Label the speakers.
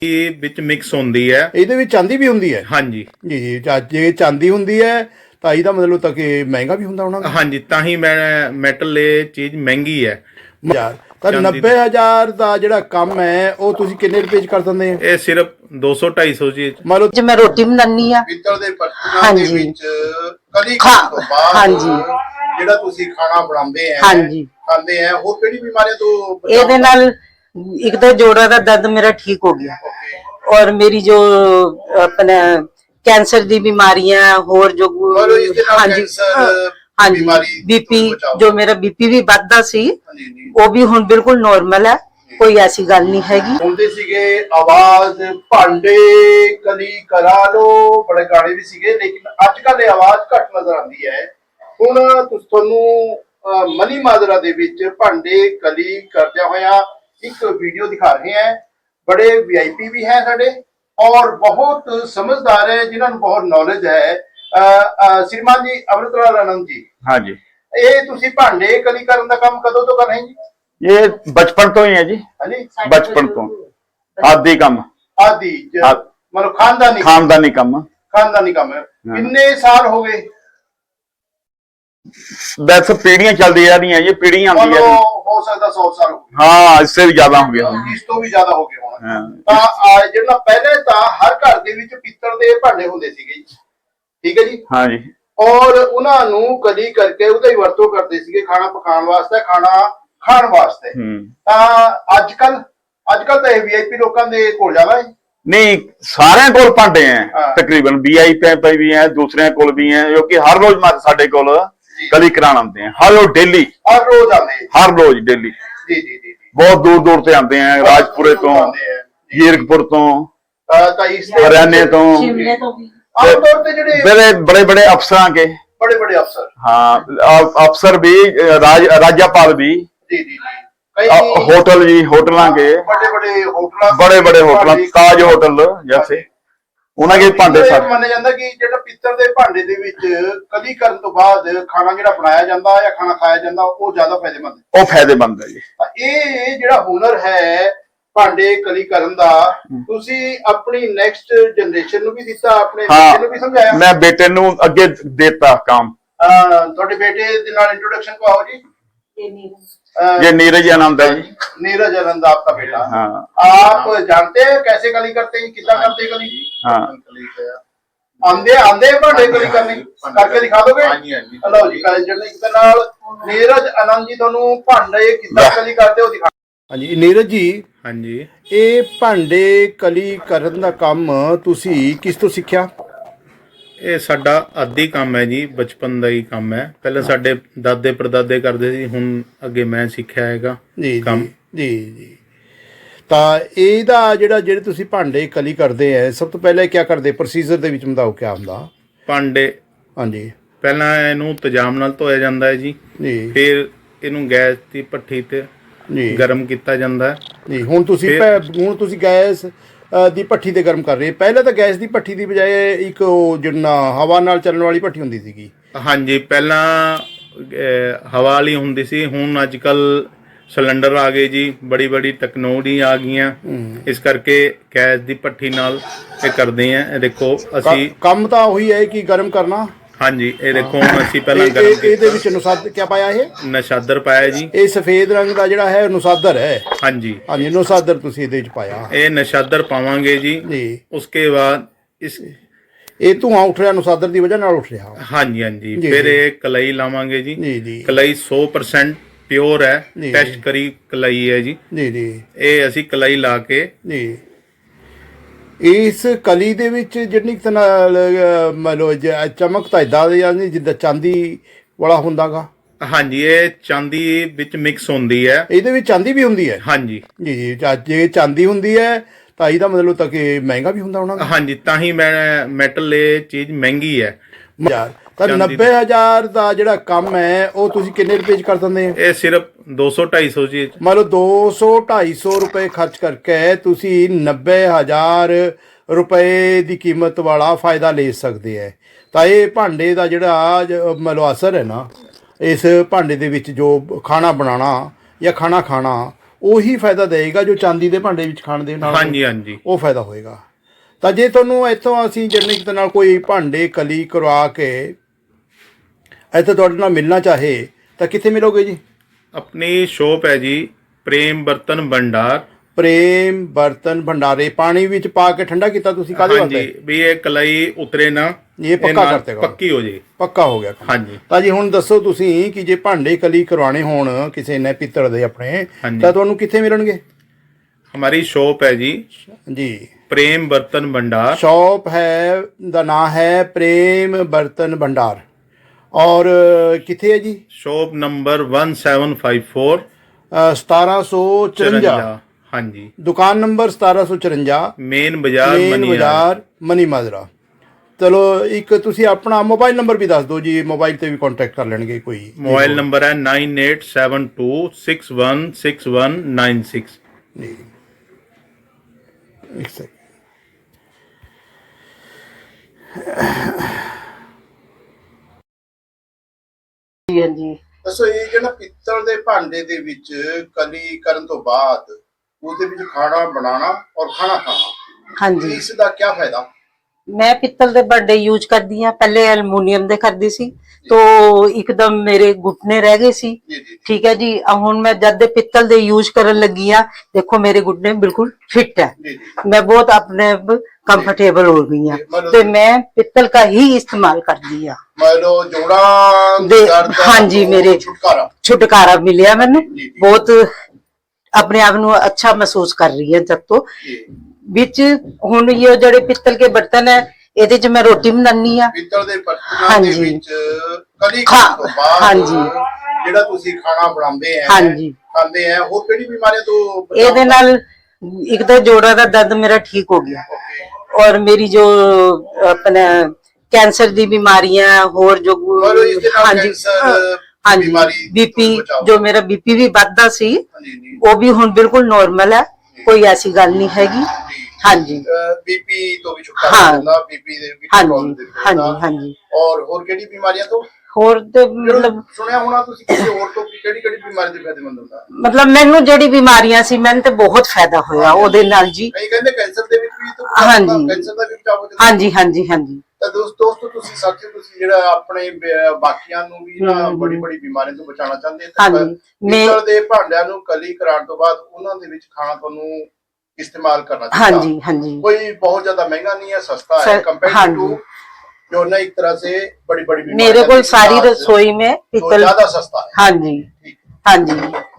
Speaker 1: ਇਹ ਵਿੱਚ ਮਿਕਸ ਹੁੰਦੀ ਹੈ।
Speaker 2: ਇਹਦੇ ਵਿੱਚ ਚਾਂਦੀ ਵੀ ਹੁੰਦੀ ਹੈ?
Speaker 1: ਹਾਂਜੀ
Speaker 2: ਜੀ, ਜੇ ਚਾਂਦੀ ਹੁੰਦੀ ਹੈ ਤਾਂ ਇਹਦਾ ਮਤਲਬ ਤਾਂ ਕਿ ਮਹਿੰਗਾ ਵੀ ਹੁੰਦਾ ਹੋਣਾ।
Speaker 1: ਹਾਂਜੀ, ਤਾਂ ਹੀ ਮੈਂ ਮੈਟਲ ਇਹ ਚੀਜ਼ ਮਹਿੰਗੀ ਹੈ।
Speaker 2: ਯਾਰ ਤਾਂ 90,000 ਦਾ ਜਿਹੜਾ ਕੰਮ ਹੈ ਉਹ ਤੁਸੀਂ ਕਿੰਨੇ ਰੁਪਏ ਚ ਕਰ ਦਿੰਦੇ ਹੋ?
Speaker 1: ਇਹ ਸਿਰਫ 200-250 ਜੀ।
Speaker 2: ਮੰਨ ਲਓ
Speaker 3: ਜੇ ਮੈਂ ਰੋਟੀ ਬਣਾਉਣੀ ਆ
Speaker 4: ਪਿੱਤਲ ਦੇ ਬਰਤਨਾਂ ਦੇ ਵਿੱਚ ਕਲੀ ਤੋਂ ਬਾਅਦ ਜਿਹੜਾ ਤੁਸੀਂ ਖਾਣਾ ਬਣਾਉਂਦੇ ਆ ਖਾਂਦੇ ਆ, ਹੋਰ ਕਿਹੜੀ ਬਿਮਾਰੀਆਂ ਤੋਂ
Speaker 3: ਇਹਦੇ ਨਾਲ ਇੱਕ ਤਾਂ ਜੋੜਾਂ ਦਾ ਦਰਦ ਮੇਰਾ ਠੀਕ ਹੋ ਗਿਆ और मेरी जो अपने कैंसर दी बीमारियां और जो हाँ जी हाँ जी बीपी जो मेरा बीपी भी बढ़ता सी वो भी हुण बिल्कुल नॉर्मल है, कोई ऐसी गल नहीं हैगी।
Speaker 4: सुनते सीगे आवाज भांडे कली करा लो, बड़े गाने भी सीगे, लेकिन आजकल ये आवाज घट नजर आती है। हुण तुहानू मनी माजरा दे विच भांडे कली करदे होया एक वीडियो दिखा रहे हैं। बड़े वीआईपी भी हैं साडे और बहुत समझदार है, जिन्होंने बहुत नॉलेज है। श्रीमान जी अमृतलाल आनंद जी,
Speaker 5: हाँ जी,
Speaker 4: ये तुसी भांडे कली करन दा काम कदों तो कर रहे हैं जी?
Speaker 5: ये बचपन तो ही है जी।
Speaker 4: हाँ जी,
Speaker 5: बचपन तो आदि काम
Speaker 4: आदि मतलब खानदानी
Speaker 5: काम
Speaker 4: है। कितने साल हो गए?
Speaker 5: वैसे पीढ़ियां चलती जा रही हैं, ये पीढ़ियां आती है।
Speaker 4: हो सकता 100 साल हो गए।
Speaker 5: हाँ, इससे भी ज्यादा हो गया।
Speaker 4: इस तो भी ज्यादा हो गए होना।
Speaker 5: हाँ।
Speaker 4: ਜਿਹੜਾ ਪਹਿਲੇ ਤਾਂ ਹਰ ਘਰ ਦੇ ਵਿੱਚ ਪਿੱਤਲ ਦੇ ਭਾਂਡੇ ਹੁੰਦੇ ਸੀਗੇ ਜੀ, ਠੀਕ ਹੈ ਜੀ।
Speaker 5: हाँ जी,
Speaker 4: ਔਰ ਉਹਨਾਂ ਨੂੰ ਕਲੀ ਕਰਕੇ ਉਹਦਾ ਹੀ ਵਰਤੋਂ ਕਰਦੇ ਸੀਗੇ ਖਾਣਾ ਪਕਾਉਣ ਵਾਸਤੇ, ਖਾਣਾ ਖਾਣ ਵਾਸਤੇ। ਤਾਂ ਅੱਜ ਕੱਲ ਤਾਂ ਇਹ ਵੀਆਈਪੀ ਲੋਕਾਂ ਦੇ ਕੋਲ ਜ਼ਿਆਦਾ ਹੈ।
Speaker 5: नहीं सारे कोल भांडे हैं तकरीबन, वीआईपी भी हैं, दूसरे कोल भी हैं, जो कि हर रोज साडे कोल कली कराने आते हैं। हर रोज डेली,
Speaker 4: हर रोज आते हैं,
Speaker 5: हर रोज डेली।
Speaker 4: जी जी जी,
Speaker 5: बहुत दूर दूर से आते हैं, राजपुरे तो, जीरकपुर तो, हरियाणे तो,
Speaker 4: आमतौर पे
Speaker 5: ਜਿਹੜੇ बड़े बड़े अफसर के
Speaker 4: बड़े अफसर,
Speaker 5: हाँ अफसर भी, राज्यपाल भी,
Speaker 4: जी जी,
Speaker 5: होटल जी, होटलों के बड़े होटल, ताज होटल जैसे उन्होंने भांडे
Speaker 4: ਮੰਨਿਆ ਜਾਂਦਾ ਕਿ ਜਿਹੜਾ ਪਿੱਤਲ ਦੇ ਭਾਂਡੇ ਦੇ ਵਿੱਚ ਕਲੀ ਕਰਨ ਤੋਂ ਬਾਅਦ ਖਾਣਾ ਜਿਹੜਾ ਬਣਾਇਆ ਜਾਂਦਾ ਜਾਂ ਖਾਣਾ ਖਾਇਆ ਜਾਂਦਾ ਉਹ ਜ਼ਿਆਦਾ ਫਾਇਦੇਮੰਦ ਹੈ।
Speaker 5: ਉਹ ਫਾਇਦੇਮੰਦ ਹੈ ਜੀ।
Speaker 4: ਇਹ ਜਿਹੜਾ ਹੁਨਰ ਹੈ ਭਾਂਡੇ ਕਲੀ ਕਰਨ ਦਾ, ਤੁਸੀਂ ਆਪਣੀ ਨੈਕਸਟ ਜਨਰੇਸ਼ਨ ਨੂੰ ਵੀ ਦਿੱਤਾ, ਆਪਣੇ ਬੇਟੇ ਨੂੰ ਵੀ ਸਮਝਾਇਆ?
Speaker 5: ਮੈਂ ਬੇਟੇ ਨੂੰ ਅੱਗੇ ਦੇਤਾ ਕੰਮ।
Speaker 4: ਤੁਹਾਡੇ ਬੇਟੇ ਦੇ ਨਾਲ ਇੰਟਰੋਡਕਸ਼ਨ ਕਰਾਓ ਜੀ।
Speaker 5: ये नीरज आनंद है जी।
Speaker 4: नीरज आनंद आपका बेटा।
Speaker 5: हाँ।
Speaker 4: आप जानते हैं कैसे कली करते हैं, कितना करते हैं कली?
Speaker 5: हाँ।
Speaker 4: आंदे भांडे कली करने करके दिखा दोगे? लो जी, नीरज आनंद जी ਤੁਹਾਨੂੰ ਭਾਂਡੇ ਕਿੱਦਾਂ ਕਲੀ ਕਰਦੇ ਹੋ ਦਿਖਾ।
Speaker 2: ਹਾਂਜੀ ਨੀਰਜ ਜੀ,
Speaker 1: ਹਾਂਜੀ,
Speaker 2: ਇਹ ਭਾਂਡੇ ਕਲੀ ਕਰਨ ਦਾ ਕੰਮ ਤੁਸੀਂ ਕਿਸ ਤੋਂ ਸਿੱਖਿਆ?
Speaker 1: ਇਹ ਸਾਡਾ ਆਦੀ ਕੰਮ ਹੈ ਜੀ, ਬਚਪਨ ਦਾ ਹੀ ਕੰਮ ਹੈ। ਪਹਿਲਾਂ ਸਾਡੇ ਦਾਦੇ ਪੜਦਾਦੇ ਕਰਦੇ ਸੀ, ਹੁਣ ਅੱਗੇ ਮੈਂ ਸਿੱਖਿਆ ਹੈਗਾ ਕੰਮ।
Speaker 2: ਜੀ ਜੀ, ਤਾਂ ਇਹਦਾ ਜਿਹੜੇ ਤੁਸੀਂ ਭਾਂਡੇ ਕਲੀ ਕਰਦੇ ਹੈ, ਸਭ ਤੋਂ ਪਹਿਲਾਂ ਕੀ ਕਰਦੇ? ਪ੍ਰੋਸੀਜਰ ਦੇ ਵਿੱਚ ਸਮਝਾਓ ਕੀ ਹੁੰਦਾ
Speaker 1: ਭਾਂਡੇ।
Speaker 2: ਹਾਂਜੀ,
Speaker 1: ਪਹਿਲਾਂ ਇਹਨੂੰ ਤੇਜ਼ਾਬ ਨਾਲ ਧੋਇਆ ਜਾਂਦਾ ਹੈ ਜੀ, ਫਿਰ ਇਹਨੂੰ ਗੈਸ ਦੀ ਭੱਠੀ ਤੇ ਗਰਮ ਕੀਤਾ ਜਾਂਦਾ
Speaker 2: ਜੀ। ਹੁਣ ਤੁਸੀਂ ਗੈਸ ਦੀ ਭੱਠੀ ਤੇ ਗਰਮ ਕਰ ਰਹੇ, ਪਹਿਲਾਂ ਤਾਂ ਗੈਸ ਦੀ ਭੱਠੀ ਦੀ ਬਜਾਏ ਇੱਕ ਜਿਹੜਾ ਹਵਾ ਨਾਲ ਚੱਲਣ ਵਾਲੀ ਭੱਠੀ ਹੁੰਦੀ ਸੀਗੀ।
Speaker 1: ਹਾਂਜੀ, ਪਹਿਲਾਂ ਹਵਾ ਵਾਲੀ ਹੁੰਦੀ ਸੀ, ਹੁਣ ਅੱਜ ਕੱਲ ਸਿਲੰਡਰ ਆ ਗਏ ਜੀ, ਬੜੀ ਟੈਕਨੋਲੋਜੀ ਆ ਗਈਆਂ, ਇਸ ਕਰਕੇ ਗੈਸ ਦੀ ਭੱਠੀ ਨਾਲ ਇਹ ਕਰਦੇ ਆ। ਇਹ ਦੇਖੋ ਅਸੀਂ
Speaker 2: ਕੰਮ ਤਾਂ ਉਹੀ ਹੈ ਕਿ ਗਰਮ ਕਰਨਾ।
Speaker 1: ਹਾਂਜੀ, ਇਹ ਦੇਖੋ ਹੁਣ ਅਸੀਂ ਪਹਿਲਾਂ ਗਰਮ
Speaker 2: ਇਹਦੇ ਵਿੱਚ ਨੁਸਾਦਰ ਕੀ ਪਾਇਆ? ਇਹ
Speaker 1: ਨਸ਼ਾਦਰ ਪਾਇਆ ਜੀ।
Speaker 2: ਇਹ ਸਫੇਦ ਰੰਗ ਦਾ ਜਿਹੜਾ ਹੈ ਨੁਸਾਦਰ ਹੈ।
Speaker 1: ਹਾਂਜੀ
Speaker 2: ਹਾਂਜੀ, ਨੁਸਾਦਰ ਤੁਸੀਂ ਇਹਦੇ ਵਿੱਚ ਪਾਇਆ।
Speaker 1: ਇਹ ਨਸ਼ਾਦਰ ਪਾਵਾਂਗੇ ਜੀ। ਉਸਕੇ ਬਾਅਦ
Speaker 2: ਇਹ ਧੂਆਂ ਉੱਠ ਰਿਹਾ, ਨੁਸਾਦਰ ਦੀ ਵਜ੍ਹਾ ਨਾਲ ਉੱਠ ਰਿਹਾ।
Speaker 1: ਹਾਂਜੀ, ਫਿਰ ਇਹ ਕਲਾਈ ਲਾਵਾਂਗੇ ਜੀ। ਕਲਾਈ 100% ਪਿਓਰ ਹੈ, ਟੈਸਟ ਕਰੀ ਕਲਾਈ ਹੈ ਜੀ। ਇਹ ਅਸੀਂ ਕਲਾਈ ਲਾ ਕੇ
Speaker 2: ਇਸ ਕਲੀ ਦੇ ਵਿੱਚ ਜਿੰਨੀ ਨਾਲ ਮੰਨ ਲਓ ਚਮਕ ਤਾਂ ਇਦਾਂ ਦੀ ਜਾਂਦੀ ਜਿੱਦਾਂ ਚਾਂਦੀ ਵਾਲਾ ਹੁੰਦਾਗਾ।
Speaker 1: ਹਾਂਜੀ, ਇਹ ਚਾਂਦੀ ਵਿੱਚ ਮਿਕਸ ਹੁੰਦੀ ਹੈ।
Speaker 2: ਇਹਦੇ ਵਿੱਚ ਚਾਂਦੀ ਵੀ ਹੁੰਦੀ ਹੈ? ਹਾਂਜੀ ਜੀ, ਜੇ ਚਾਂਦੀ ਹੁੰਦੀ ਹੈ ਤਾਂ ਇਹਦਾ ਮਤਲਬ ਤਾਂ ਕਿ ਮਹਿੰਗਾ ਵੀ ਹੁੰਦਾ ਹੋਣਾ।
Speaker 1: ਹਾਂਜੀ, ਤਾਂ ਹੀ ਮੈਂ ਮੈਟਲ ਇਹ ਚੀਜ਼ ਮਹਿੰਗੀ ਹੈ।
Speaker 2: ਤਾਂ 90,000 ਦਾ ਜਿਹੜਾ ਕੰਮ ਹੈ ਉਹ ਤੁਸੀਂ ਕਿੰਨੇ ਰੁਪਏ ਚ ਕਰ ਦਿੰਦੇ ਹੋ?
Speaker 1: ਇਹ ਸਿਰਫ 200-250 ਜੀ।
Speaker 2: ਮੰਨ ਲਓ 200-250 ਰੁਪਏ ਖਰਚ ਕਰਕੇ ਤੁਸੀਂ 90,000 ਰੁਪਏ ਦੀ ਕੀਮਤ ਵਾਲਾ ਫਾਇਦਾ ਲੈ ਸਕਦੇ ਹੈ। ਤਾਂ ਇਹ ਭਾਂਡੇ ਦਾ ਜਿਹੜਾ ਮੰਨ ਲਓ ਅਸਰ ਹੈ ਨਾ, ਇਸ ਭਾਂਡੇ ਦੇ ਵਿੱਚ ਜੋ ਖਾਣਾ ਬਣਾਉਣਾ ਜਾਂ ਖਾਣਾ ਖਾਣਾ ਉਹੀ ਫਾਇਦਾ ਦੇਗਾ ਜੋ ਚਾਂਦੀ ਦੇ ਭਾਂਡੇ ਵਿੱਚ ਖਾਣ ਦੇ ਨਾਲ
Speaker 1: ਹਾਂਜੀ ਹਾਂਜੀ
Speaker 2: ਉਹ ਫਾਇਦਾ ਹੋਏਗਾ। ਤਾਂ ਜੇ ਤੁਹਾਨੂੰ ਇੱਥੋਂ ਅਸੀਂ ਜਰਨਿਕ ਦੇ ਨਾਲ ਕੋਈ ਭਾਂਡੇ ਕਲੀ ਕਰਵਾ ਕੇ ਇੱਥੇ ਤੁਹਾਡੇ ਨਾਲ ਮਿਲਣਾ ਚਾਹੇ ਤਾਂ ਕਿੱਥੇ ਮਿਲੋਗੇ ਜੀ?
Speaker 1: ਆਪਣੀ ਸ਼ੋਪ ਹੈ ਜੀ ਪ੍ਰੇਮ ਬਰਤਨ ਭੰਡਾਰ।
Speaker 2: ਪ੍ਰੇਮ ਬਰਤਨ ਭੰਡਾਰੇ। ਪਾਣੀ ਵਿੱਚ ਪਾ ਕੇ ਠੰਡਾ ਕੀਤਾ ਤੁਸੀਂ ਕਾਹਦੇ
Speaker 1: ਹਾਂਜੀ
Speaker 2: ਵਾਸਤੇ?
Speaker 1: ਵੀ ਇਹ ਕਲਾਈ ਉਤਰੇ ਨਾ,
Speaker 2: ਇਹ ਪੱਕਾ
Speaker 1: ਨਾਲ
Speaker 2: ਕਰਤੇ ਗਾ।
Speaker 1: ਪੱਕੀ ਹੋ ਜੇ।
Speaker 2: ਪੱਕਾ ਹੋ ਗਿਆ ਕੰਮ।
Speaker 1: ਹਾਂਜੀ
Speaker 2: ਤਾਂ ਜੀ ਹੁਣ ਦੱਸੋ ਤੁਸੀਂ ਕਿ ਜੇ ਭਾਂਡੇ ਕਲੀ ਕਰਵਾਣੇ ਹੋਣ ਕਿਸੇ ਨੇ ਪਿੱਤਲ ਦੇ ਆਪਣੇ
Speaker 1: ਹਾਂਜੀ।
Speaker 2: ਤਾਂ ਤੁਹਾਨੂੰ ਕਿੱਥੇ ਮਿਲਣਗੇ?
Speaker 1: हमारी शॉप है जी
Speaker 2: जी
Speaker 1: प्रेम बर्तन भंडार।
Speaker 2: शॉप है दा नाम है प्रेम बर्तन भंडार और किथे है जी?
Speaker 1: Shop number 1754
Speaker 2: 1754।
Speaker 1: हाँ जी
Speaker 2: दुकान नंबर 1754
Speaker 1: मेन बाजार
Speaker 2: मेन
Speaker 1: मनियार।
Speaker 2: बाजार मनी माजरा। चलो एक तुसी अपना मोबाइल नंबर भी दस दो जी, मोबाइल ते भी कांटेक्ट कर लेंगे कोई।
Speaker 1: मोबाइल नंबर है 9872616196
Speaker 2: जी एक सेकंड।
Speaker 3: ਜੀ ਹਾਂਜੀ
Speaker 4: ਦੱਸੋ ਇਹ ਜਿਹੜਾ ਪਿੱਤਲ ਦੇ ਭਾਂਡੇ ਦੇ ਵਿੱਚ ਕਲੀ ਕਰਨ ਤੋਂ ਬਾਅਦ ਉਹਦੇ ਵਿੱਚ ਖਾਣਾ ਬਣਾਉਣਾ ਔਰ ਖਾਣਾ ਖਾਣਾ,
Speaker 3: ਹਾਂਜੀ
Speaker 4: ਇਸ ਦਾ ਕੀ ਫਾਇਦਾ?
Speaker 3: ਮੈਂ ਪਿੱਤਲ ਦੇ ਭਾਂਡੇ ਯੂਜ਼ ਕਰਦੀ ਆ, ਪਹਿਲੇ ਐਲੂਮੀਨੀਅਮ ਦੇ ਕਰਦੀ ਸੀ ਤੋ ਇੱਕਦਮ ਮੇਰੇ ਘੁਟਨੇ ਰਹਿ ਗਏ ਸੀ।
Speaker 4: ਜੀ ਜੀ
Speaker 3: ਠੀਕ ਹੈ ਜੀ। ਹੁਣ ਮੈਂ ਜਦ ਦੇ ਪਿੱਤਲ ਦੇ ਯੂਜ਼ ਕਰਨ ਲੱਗੀ ਆ, ਦੇਖੋ ਮੇਰੇ ਘੁਟਨੇ ਬਿਲਕੁਲ ਫਿੱਟ ਹੈ,
Speaker 4: ਜੀ ਜੀ
Speaker 3: मैं बहुत अपने कंफर्टेबल हो गई हूँ। तो मैं पित्तल का ही इस्तेमाल करती हूँ।
Speaker 4: ਮਾਇਲੋ ਜੋੜਾ ਦਰਦ
Speaker 3: हाँ जी मेरे
Speaker 4: ਛੁਟਕਾਰਾ।
Speaker 3: छुटकारा मिलिया मैंने,
Speaker 4: जी, जी।
Speaker 3: बहुत अपने आप ਨੂੰ अच्छा महसूस कर रही है। जब तो
Speaker 4: ਜੀ
Speaker 3: ਵਿੱਚ ਹੁਣ ਇਹ ਜਿਹੜੇ ਪਿੱਤਲ ਕੇ ਬਰਤਨ ਹੈ ਇਹਦੇ 'ਚ ਮੈਂ ਰੋਟੀ ਬਣਾਉਣੀ ਆ।
Speaker 4: ਪਿੱਤਲ ਦੇ ਬਰਤਨਾਂ ਦੇ
Speaker 3: ਹਾਂਜੀ।
Speaker 4: ਵਿੱਚ ਕਲੀ ਕਰਨ ਤੋਂ ਬਾਅਦ
Speaker 3: ਹਾਂਜੀ।
Speaker 4: ਜਿਹੜਾ ਤੁਸੀਂ ਖਾਣਾ ਬਣਾਉਂਦੇ ਆ
Speaker 3: ਹਾਂਜੀ।
Speaker 4: ਖਾਂਦੇ ਆ, ਹੋਰ ਕਿਹੜੀ ਬਿਮਾਰੀਆਂ ਤੋਂ ਬਚਾਅ
Speaker 3: ਇਹਦੇ ਨਾਲ ਇੱਕ ਤਾਂ ਜੋੜਾਂ ਦਾ ਦਰਦ ਮੇਰਾ ਠੀਕ ਹੋ ਗਿਆ
Speaker 4: Okay।
Speaker 3: ਔਰ ਮੇਰੀ ਜੋ ਆਪਣਾ ਕੈਂਸਰ ਦੀ ਬਿਮਾਰੀਆਂ ਹੋਰ ਜੋ
Speaker 4: ਮਤਲਬ ਇਸ ਦੇ ਨਾਲ
Speaker 3: ਹਾਂਜੀ
Speaker 4: ਕੈਂਸਰ
Speaker 3: ਹਾਂਜੀ
Speaker 4: ਬਿਮਾਰੀ
Speaker 3: ਬੀਪੀ
Speaker 4: ਤੋਂ ਬਚਾਓ।
Speaker 3: ਜੋ ਮੇਰਾ ਬੀਪੀ ਵੀ ਵੱਧਦਾ ਸੀ
Speaker 4: ਹਾਂਜੀ ਜੀ
Speaker 3: ਉਹ ਵੀ ਹੁਣ ਬਿਲਕੁਲ ਨੋਰਮਲ ਹੈ, ਕੋਈ ਐਸੀ ਗੱਲ ਨਹੀਂ ਹੈਗੀ। ਹਾਂਜੀ
Speaker 4: ਬੀਪੀ ਤੋਂ ਵੀ ਛੁਟਕਾਰਾ
Speaker 3: ਹਾਂ।
Speaker 4: ਮਿਲਦਾ, ਬੀਪੀ ਦੇ ਵੀ
Speaker 3: ਹਾਂਜੀ
Speaker 4: control ਦੇ ਵਿੱਚ
Speaker 3: ਹਾਂਜੀ
Speaker 4: ਰਹਿੰਦਾ।
Speaker 3: ਹਾਂਜੀ
Speaker 4: ਔਰ ਹੋਰ ਕਿਹੜੀ ਬਿਮਾਰੀਆਂ ਤੋਂ?
Speaker 3: ਹੋਰ ਤੇ
Speaker 4: ਮਤਲਬ ਸੁਣਿਆ ਹੋਣਾ ਤੁਸੀਂ ਕਿਸੇ ਹੋਰ ਤੋਂ ਕਿ ਕਿਹੜੀ ਕਿਹੜੀ ਬਿਮਾਰੀ ਦੇ ਫਾਇਦੇਮੰਦ ਹੁੰਦਾ?
Speaker 3: ਮਤਲਬ ਮੈਨੂੰ ਜਿਹੜੀ ਬਿਮਾਰੀਆਂ ਸੀ ਮੈਨੂੰ ਤੇ ਬਹੁਤ ਫਾਇਦਾ ਹੋਇਆ ਉਹਦੇ ਨਾਲ ਜੀ।
Speaker 4: ਕਈ ਕਹਿੰਦੇ ਕੈਂਸਰ ਦੇ ਵਿੱਚ ਵੀ
Speaker 3: ਹਾਂਜੀ।
Speaker 4: ਕੈਂਸਰ ਦਾ ਵੀ ਬਚਾਅ ਹੋ ਜਾਂਦਾ।
Speaker 3: ਹਾਂਜੀ ਹਾਂਜੀ ਹਾਂਜੀ
Speaker 4: ਤਾਂ ਦੋਸਤੋ ਤੁਸੀਂ ਸਾਥੀਓ ਤੁਸੀਂ ਜਿਹੜਾ ਆਪਣੇ ਬਾਕੀਆਂ ਨੂੰ ਵੀ ਨਾ ਬੜੀ ਬੜੀ ਬਿਮਾਰੀਆਂ ਤੋਂ ਬਚਾਉਣਾ ਚਾਹੁੰਦੇ ਤਾਂ
Speaker 3: ਹਾਂਜੀ।
Speaker 4: ਪਿੱਤਲ ਦੇ ਭਾਂਡਿਆਂ ਨੂੰ ਕਲੀ ਕਰਾਉਣ ਤੋਂ ਬਾਅਦ ਉਹਨਾਂ ਦੇ ਵਿੱਚ ਖਾਣਾ ਤੁਹਾਨੂੰ ਇਸਤੇਮਾਲ ਕਰਨਾ ਚਾਹੀਦਾ।
Speaker 3: ਹਾਂਜੀ ਹਾਂਜੀ
Speaker 4: कोई बहुत ज्यादा महंगा नहीं है, सस्ता है
Speaker 3: सर,
Speaker 4: कंपेयर
Speaker 3: हाँ
Speaker 4: टू
Speaker 3: जी।
Speaker 4: जो ना एक तरह से बड़ी बड़ी
Speaker 3: मेरे को सारी रसोई में
Speaker 4: तो
Speaker 3: पित्तल
Speaker 4: ज्यादा सस्ता है।
Speaker 3: हाँ जी
Speaker 4: ठीक है।
Speaker 3: हाँ जी